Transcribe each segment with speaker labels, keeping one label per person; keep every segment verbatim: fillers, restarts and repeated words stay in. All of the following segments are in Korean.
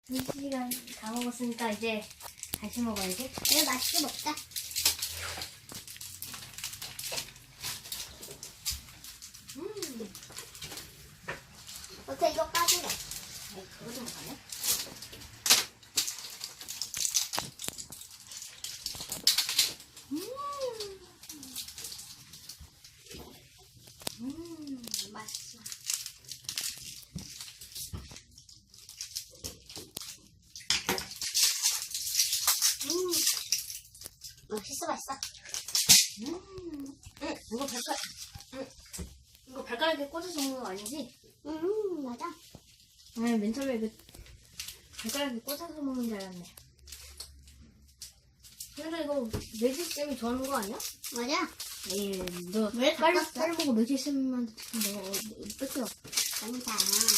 Speaker 1: 두 시간 다 먹었으니까 이제 다시 먹어야지.
Speaker 2: 이거 맛있게 먹자.
Speaker 1: 음.
Speaker 2: 어때 이거 까줄래?
Speaker 1: 에이, 그거 좀 먹을래?
Speaker 2: 음, 음 맛있어. 음, 맛있어 맛있어.
Speaker 1: 음. 응, 이거 발가락, 응. 이거 발가락에 꽂아서 먹는 거 아니지?
Speaker 2: 음 맞아.
Speaker 1: 아니, 맨 처음에 그 발가락에 꽂아서 먹는 줄 알았네. 근데 이거 매지쌤이 좋아하는 거 아니야?
Speaker 2: 맞아.
Speaker 1: 에이, 너
Speaker 2: 왜
Speaker 1: 빨리
Speaker 2: 바꿨어?
Speaker 1: 빨리 먹고 매지쌤한테 너 뺏겨.
Speaker 2: 괜찮아.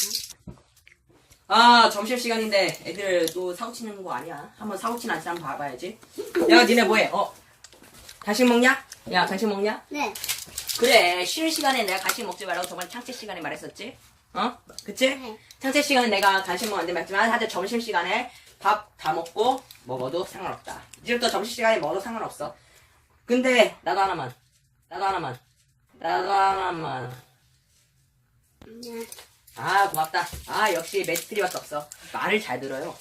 Speaker 3: 아, 점심시간인데 애들 또 사고 치는 거 아니야? 한번 사고 치는 아저씨 한번 봐봐야지. 야, 니네 뭐해? 어? 간식 먹냐? 야, 간식 먹냐?
Speaker 2: 네.
Speaker 3: 그래, 쉬는 시간에 내가 간식 먹지 말라고 저번에 창체 시간에 말했었지? 어? 그치?
Speaker 2: 네.
Speaker 3: 창체 시간에 내가 간식 먹었는데 맞지만 하여튼 점심시간에 밥 다 먹고 먹어도 상관없다. 이제부터 점심시간에 먹어도 상관없어. 근데 나도 하나만. 나도 하나만. 나도 하나만.
Speaker 2: 네.
Speaker 3: 아, 고맙다. 아, 역시 매트리밖에 없어. 말을 잘 들어요.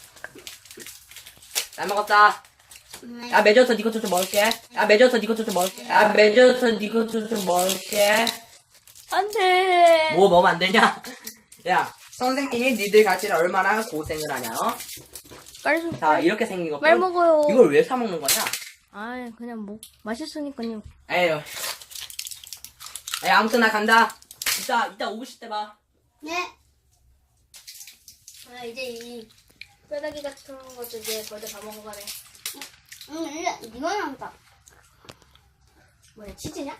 Speaker 3: 잘 먹었다.
Speaker 2: 네.
Speaker 3: 야, 매져서 니 것도 좀 먹을게. 야, 매져서 니 것도 좀 먹을게. 야, 매져서 니 것도 좀 먹을게.
Speaker 1: 안 돼.
Speaker 3: 뭐 먹으면 안 되냐? 야, 선생님이 니들 같이는 얼마나 고생을 하냐, 어?
Speaker 1: 빨리 좀.
Speaker 3: 자, 이렇게 생긴 거.
Speaker 1: 빨리 먹어요.
Speaker 3: 이걸 왜 사 먹는 거냐?
Speaker 1: 아, 그냥 뭐 맛있으니까요.
Speaker 3: 에휴. 야, 아무튼 나 간다. 이따, 이따 오고 싶을 때 봐.
Speaker 2: 네.
Speaker 1: 아, 이제 이 뼈다귀 같은 것도 이제 거의 다 먹어가네.
Speaker 2: 응, 이거 이거 나온다.
Speaker 1: 뭐야, 치즈냐?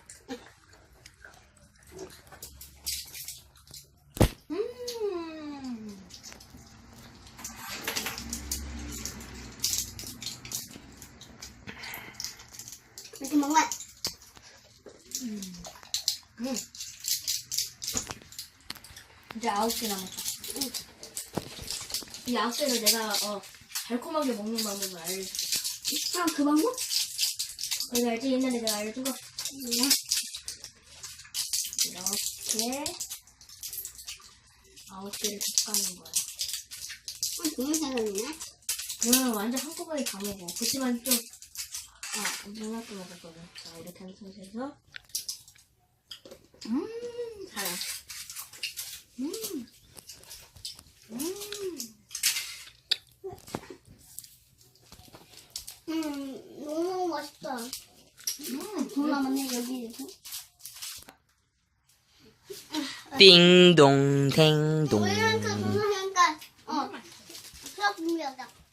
Speaker 1: 음.
Speaker 2: 이렇게 먹으면
Speaker 1: 음. 이제 아홉 개 남았다.
Speaker 2: 응.
Speaker 1: 이 아홉 개를 내가 어 달콤하게 먹는 방법을 알려줄게.
Speaker 2: 아, 그 방법?
Speaker 1: 내가 알지? 옛날에 내가 알려준 거.
Speaker 2: 네.
Speaker 1: 이렇게 아홉 개를 볶아는 거야.
Speaker 2: 어, 너무 잘하네.
Speaker 1: 그러면 완전 한꺼번에 다 먹어. 그치만 좀, 아, 누나도 먹었거든. 자, 이렇게 하는 상태에서. 음, 달아. 음, 음.
Speaker 2: 음, 너무 맛있다.
Speaker 1: 음,
Speaker 2: 더 남았네, 여기에서.
Speaker 3: 띵동, 댕동.
Speaker 2: 우리한테 그거 하니까, 어, 수업 준비하자.